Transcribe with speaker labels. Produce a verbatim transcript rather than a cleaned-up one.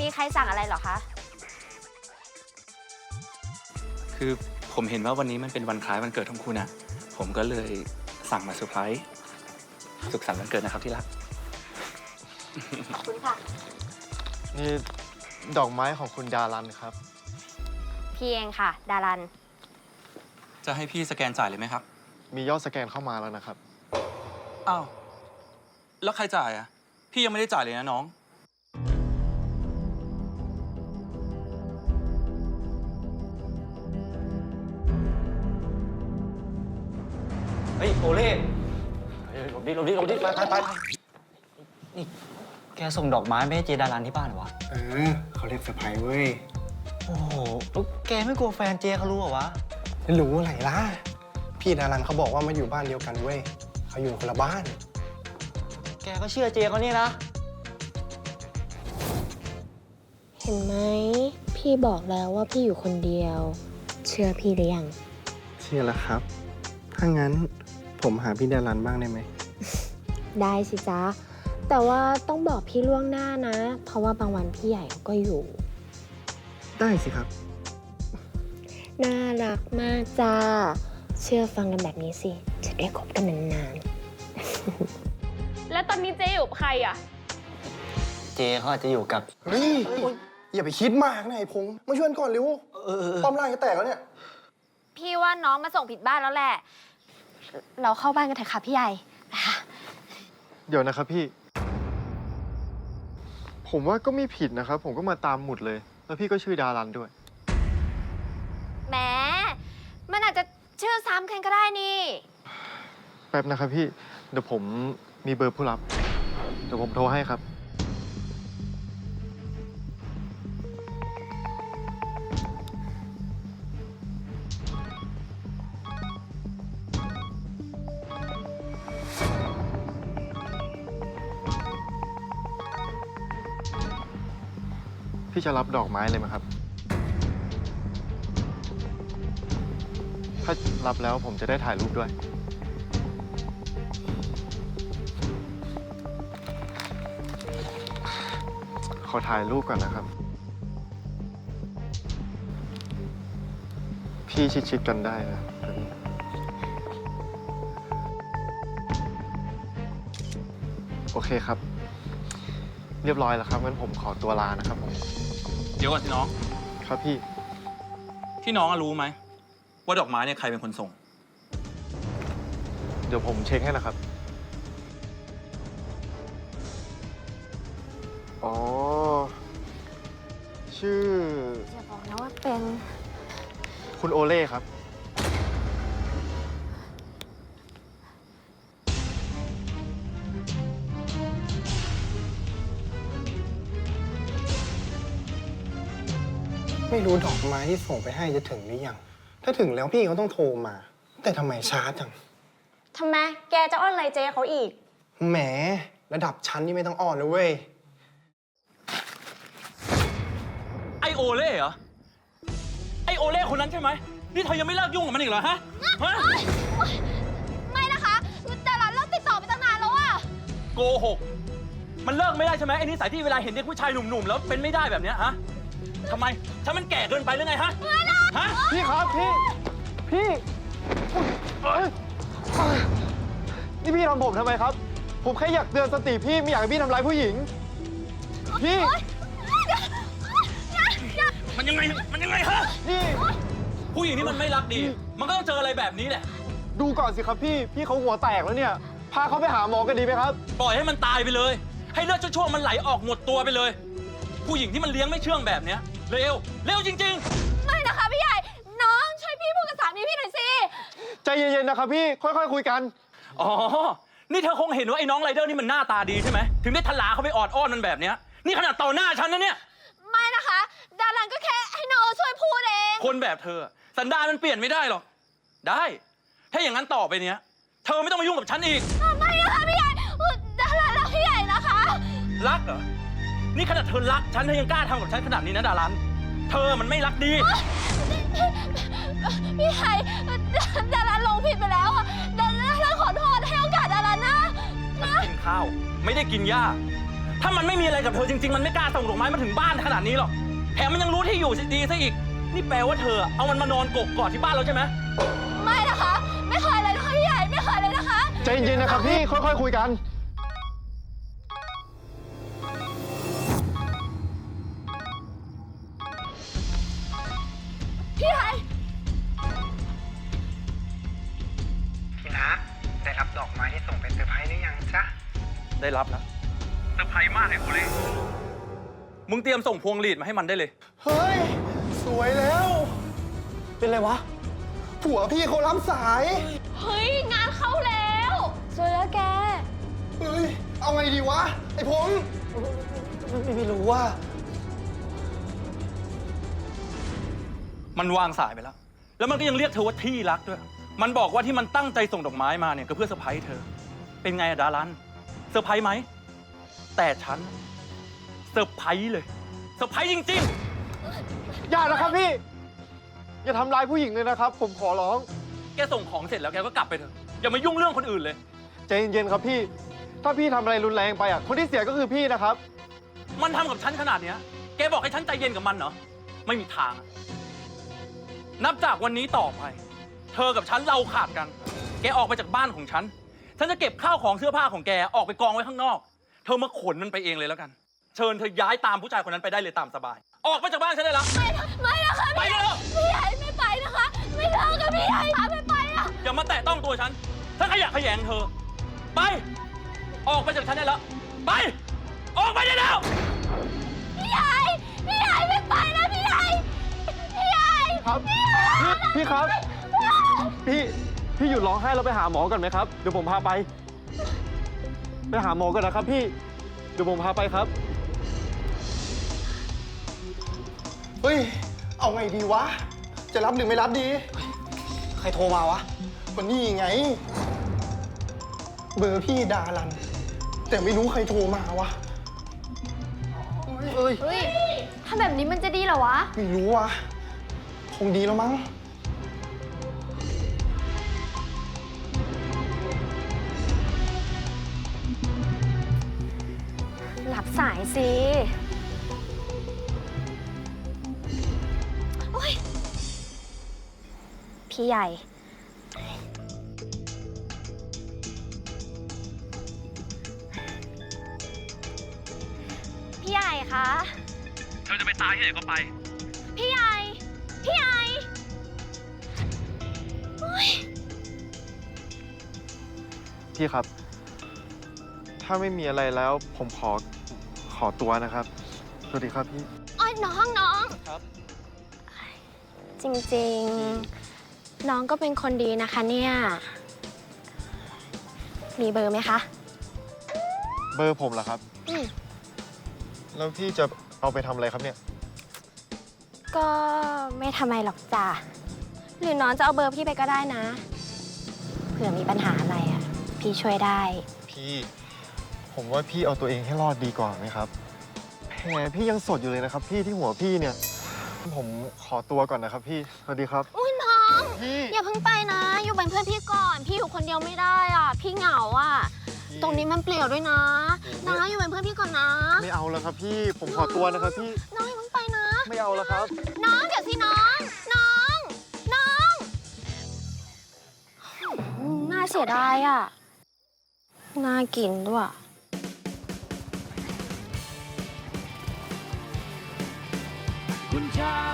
Speaker 1: มีใครสั่งอะไรเหรอคะ
Speaker 2: คือผมเห็นว่าวันนี้มันเป็นวันคล้ายวันเกิดของคุณนะผมก็เลยสั่งมาเซอร์ไพรส์สุขสันต์วันเกิดนะครับที่รัก
Speaker 1: ขอบคุณค่ะ
Speaker 3: นี่ดอกไม้ของคุณดารันครับ
Speaker 1: พี่เองค่ะ ดารัน
Speaker 2: จะให้พี่สแกนจ่ายเลยไหมครับ
Speaker 3: มียอดสแกนเข้ามาแล้วนะครับ
Speaker 2: อ้าว แล้วใครจ่ายอ่ะ พี่ยังไม่ได้จ่ายเลยนะน้อง
Speaker 4: เฮ้ยโอเล่หลบดิหลบดิหลบดิไปไปไปนี่แกส่งดอกไม้ไม่ให้เจดารันที่บ้านเหรอวะ
Speaker 5: เออเขาเรียกเซอร์ไพรส์เว้ย
Speaker 4: โอ้โหแล้วแกไม่กลัวแฟนเจเขารู้เหรอวะ
Speaker 5: ไม่รู้อะไรล่ะ พี่ดารันเขาบอกว่ามาอยู่บ้านเดียวกันเว้ยเขาอยู่คนละบ้าน
Speaker 4: แกก็เชื่อเจเขาเนี่ยนะ
Speaker 6: เห็นไหมพี่บอกแล้วว่าพี่อยู่คนเดียว เชื่อพี่หรือยัง
Speaker 5: เชื่อแล้วครับ ถ้างั้นผมหาพี่ดารันบ้างได้ไหม
Speaker 6: ได้สิจ๊ะ แต่ว่าต้องบอกพี่ล่วงหน้านะ เพราะว่าบางวันพี่ใหญ่ก็อยู่
Speaker 5: ได้สิครับ
Speaker 6: น่ารักมากจ้า เชื่อฟังกันแบบนี้สิ จะได้คบกันนาน
Speaker 1: แล้วตอนนี้เจ๊อยู่กับใครอ่ะ
Speaker 4: เจเขาอาจจะอยู่กับ
Speaker 5: เฮ้ย อย่าไปคิดมากนะไอ้พงษ์มาช่วยก่อนเร็ว
Speaker 4: เออ
Speaker 5: ป้อมล่างจะแตกแล้วเนี่ย
Speaker 1: พี่ว่าน้องมาส่งผิดบ้านแล้วแหละ เราเข้าบ้านกันเถอะค่ะพี่ใหญ่นะคะ
Speaker 3: เดี๋ยวนะครับพี่ ผมว่าก็ไม่ผิดนะครับ ผมก็มาตามหมุดเลย แล้วพี่ก็ชื่อดารันด้วย
Speaker 1: แหม มันอาจจะชื่อซ้ำกันก็ได้นี่
Speaker 3: แป๊บนะครับพี่ เดี๋ยวผมมีเบอร์ผู้รับ เดี๋ยวผมโทรให้ครับ พี่จะรับดอกไม้เลยไหมครับ ถ้ารับแล้วผมจะได้ถ่ายรูปด้วย ขอถ่ายรูปก่อนนะครับ พี่ชิดๆกันได้นะแบบนี้โอเคครับ เรียบร้อยแล้วครับงั้นผมขอตัวลานะครับผม
Speaker 2: เดี๋ยวก่อนสิน้อง
Speaker 3: ครับพี่
Speaker 2: พี่น้องอะรู้ไหมว่าดอกไม้เนี่ยใครเป็นคนส่ง
Speaker 3: เดี๋ยวผมเช็คให้นะครับ อ๋อ ชื่อ
Speaker 1: อย่าบอกนะว่าเป็น
Speaker 3: คุณโอเล่ครับ
Speaker 5: ไม่รู้ดอกไม้ที่ส่งไปให้จะถึงหรือยัง ถ้าถึงแล้วพี่เขาต้องโทรมา แต่ทำไมช้าจัง
Speaker 6: ๆทำไม แกจะอ้อนอะไรเจเขาอีก
Speaker 5: แหม ระดับชั้นนี่ไม่ต้องอ่อนนะเว้ย
Speaker 2: ไอโอเล่เหรอ ไอโอเล่คนนั้นใช่ไหม นี่เธอยังไม่เลิกยุ่งกับมันอีกเหรอฮะ ฮะ
Speaker 1: ไม่นะคะดารันเลิกติดต่อไปตั้งนานแล้วอะ
Speaker 2: โกหก มันเลิกไม่ได้ใช่ไหมไอ้นิสัยที่เวลาเห็นเด็กผู้ชายหนุ่มๆแล้วเป็นไม่ได้แบบเนี้ยฮะทำไมถ้ามันแก่เกินไปหรือไงฮะ ฮะ
Speaker 3: พี่ครับพี่ พี่เอ้ยเอ้ยนี่พี่ทำผมทำไมครับ ผมแค่อยากเตือนสติพี่ไม่อยากให้พี่ทำร้ายผู้หญิง พี่
Speaker 2: มันยังไง มันยังไงฮะ
Speaker 3: นี่
Speaker 2: ผู้หญิงที่มันไม่รักดี มันก็ต้องเจออะไรแบบนี้แหละ
Speaker 3: ดูก่อนสิครับพี่ พี่เขาหัวแตกแล้วเนี่ย พาเขาไปหาหมอกันดีไหมครับ
Speaker 2: ปล่อยให้มันตายไปเลย ให้เลือดชั่วๆมันไหลออกหมดตัวไปเลย ผู้หญิงที่มันเลี้ยงไม่เชื่องแบบเนี้ยเร็ว เร็วจริง
Speaker 1: ไม่นะคะพี่ใหญ่ น้องช่วยพี่พูดกับสามีพี่หน่อยสิ
Speaker 3: ใจเย็นๆนะครับพี่ ค่อยๆคุยกัน
Speaker 2: ๆ อ๋อ นี่เธอคงเห็นว่าไอ้น้องไรเดอร์นี่มันหน้าตาดีใช่ไหม ถึงได้ทลาเขาไปออดอ้อนมันแบบเนี้ย นี่ขนาดต่อหน้าฉันนะเนี่ย
Speaker 1: ไม่นะคะ ดารันก็แค่ให้น้องช่วยพูดเอง
Speaker 2: คนแบบเธอ สันดานมันเปลี่ยนไม่ได้หรอก ได้ ถ้าอย่างนั้นต่อไปเนี้ย เธอไม่ต้องมายุ่งกับฉันอีก
Speaker 1: ไม่นะคะพี่ใหญ่ดารันรักพี่ใหญ่นะคะ
Speaker 2: รักเหรอ นี่ขนาดเธอรักฉันเธอยังกล้าทำกับฉันขนาดนี้นะดารัน เธอมันไม่รักดี
Speaker 1: พี่ใหญ่ดารันลงผิดไปแล้วอะดารันขอโทษให้โอกาสดารันนะ
Speaker 2: ฉันกินข้าว ไม่ได้กินหญ้าถ้ามันไม่มีอะไรกับเธอจริงๆ มันไม่กล้าส่งดอกไม้มาถึงบ้านขนาดนี้หรอก แถมมันยังรู้ที่อยู่ดีซะอีก นี่แปลว่าเธอเอามันมานอนกกกอดที่บ้านเราใช่ไหม
Speaker 1: ไม่นะคะ ไม่เคยเลยนะคะพี่ใหญ่ ไม่เคยเลยนะคะ
Speaker 3: ใจเย็นๆนะครับพี่ ค่อยๆคุยกัน
Speaker 1: พี่ใหญ่
Speaker 5: พี่นะได้รับดอกไม้ที่ส่งเป็นเซอร์ไพรส์หรือยังจ๊ะ
Speaker 2: ได้รับแล้วเซอร์ไพรส์มากเลยโอเล่มึงเตรียมส่งพวงหลีดมาให้มันได้เลย
Speaker 5: เฮ้ย สวยแล้ว เป็นไรวะ ผัวพี่เขารับสาย
Speaker 1: เฮ้ย งานเข้าแล้วสวยแล้วแก
Speaker 5: เฮ้ย เอาไงดีวะ ไอ้พงษ์ไม่ไม่รู้ว่า
Speaker 2: มันวางสายไปแล้ว แล้วมันก็ยังเรียกเธอว่าที่รักด้วย มันบอกว่าที่มันตั้งใจส่งดอกไม้มาเนี่ยก็เพื่อเซอร์ไพรส์เธอ เป็นไงอะดารัน เซอร์ไพรส์ไหม แต่ฉันเซอร์ไพรส์เลย เซอร์ไพรส์จริง
Speaker 3: อย่านะครับพี่ อย่าทำร้ายผู้หญิงเลยนะครับ ผมขอร้อง
Speaker 2: ๆ แกส่งของเสร็จแล้วแกก็กลับไปเถอะ อย่ามายุ่งเรื่องคนอื่นเลย
Speaker 3: ใจเย็นๆครับพี่ ถ้าพี่ทำอะไรรุนแรงไปอ่ะ คนที่เสียก็คือพี่นะครับ
Speaker 2: มันทำกับฉันขนาดเนี้ย แกบอกให้ฉันใจเย็นกับมันเหรอ ไม่มีทางอะนับจากวันนี้ต่อไป เธอกับฉันเราขาดกัน แกออกไปจากบ้านของฉัน ฉันจะเก็บข้าวของเสื้อผ้าของแกออกไปกองไว้ข้างนอก เธอมาขนมันไปเองเลยแล้วกัน เชิญเธอย้ายตามผู้ชายคนนั้นไปได้เลยตามสบาย ออกไปจากบ้านฉันได้แล้ว
Speaker 1: ไม่ไม่นะคะ
Speaker 2: ไป
Speaker 1: พี่ใหญ่
Speaker 2: เถอะ
Speaker 1: พี่ใหญ่ไม่ไปนะคะ ไม่เลิกกับพี่ใหญ่ค่ะไม่ไปอะ
Speaker 2: อย่ามาแตะต้องตัวฉัน ถ้าขยะแขยงเธอ ไป ออกไปจากฉันได้แล้ว ไป ออกไปได้แล้ว
Speaker 1: พี่ใหญ่ พี่ใหญ่ไม่ไปนะพี่ใหญ่ พี่ใหญ่
Speaker 3: ครับ พี่พี่ครับ พี่ พี่หยุดร้องไห้แล้วไปหาหมอก่อนไหมครับ เดี๋ยวผมพาไป ไปหาหมอก่อนนะครับพี่ เดี๋ยวผมพาไปครับ
Speaker 5: เฮ้ย เอาไงดีวะ จะรับหรือไม่รับดี
Speaker 4: ใครโทรมาวะ
Speaker 5: วันนี้ไง เบอร์พี่ดารัน แต่ไม่รู้ใครโทรมาวะ
Speaker 3: เอ้ย
Speaker 1: เฮ้ยถ้าแบบนี้มันจะดีเหรอวะ
Speaker 5: ไม่รู้วะ คงดีแล้วมั้ง
Speaker 1: หลับสายสิโอ๊ยพี่ใหญ่ พี่ใหญ่คะ
Speaker 2: เธอจะไปตายที่ไหนก็ไป
Speaker 1: พี่ใหญ่ พี่ใหญ่โอ๊ย
Speaker 3: พี่ครับ ถ้าไม่มีอะไรแล้วผมขอ ขอตัวนะครับ สวัสดีครับพี่
Speaker 1: อ้อยน้องน้อง
Speaker 2: ครับ
Speaker 6: จริงๆ น้องก็เป็นคนดีนะคะเนี่ย มีเบอร์ไหมคะ
Speaker 3: เบอร์ผมเหรอครับ
Speaker 6: อืม
Speaker 3: แล้วพี่จะเอาไปทำอะไรครับเนี่ย
Speaker 6: ก็ไม่ทำไมหรอกจ้ะ หรือน้องจะเอาเบอร์พี่ไปก็ได้นะ เผื่อมีปัญหาอะไรอ่ะ พี่ช่วยได้
Speaker 3: พี่ ผมว่าพี่เอาตัวเองให้รอดดีกว่าไหมครับแผลพี่ยังสดอยู่เลยนะครับ พี่ที่หัวพี่เนี่ย ผมขอตัวก่อนนะครับพี่ สวัสดีครับ
Speaker 1: อุ้ยน้อง
Speaker 3: พี่
Speaker 1: อย่าเพิ่งไปนะ อยู่เป็นเพื่อนพี่ก่อน พี่อยู่คนเดียวไม่ได้อ่ะ พี่เหงาอ่ะ
Speaker 3: พี่
Speaker 1: ตรงนี้มันเปลี่ยวด้วยนะ นะอยู่เป็นเพื่อนพี่ก่อนนะ
Speaker 3: ไม่เอาแล้วครับพี่ ผมขอตัวนะครับพี่
Speaker 1: น้องอย่าเพิ่งไปนะ
Speaker 3: ไม่เอาแล้วครับ
Speaker 1: น้องเดี๋ยวสิน้อง น้อง น้องอืมน่าเสียดายอ่ะ น่ากินด้วย
Speaker 2: คุณชาย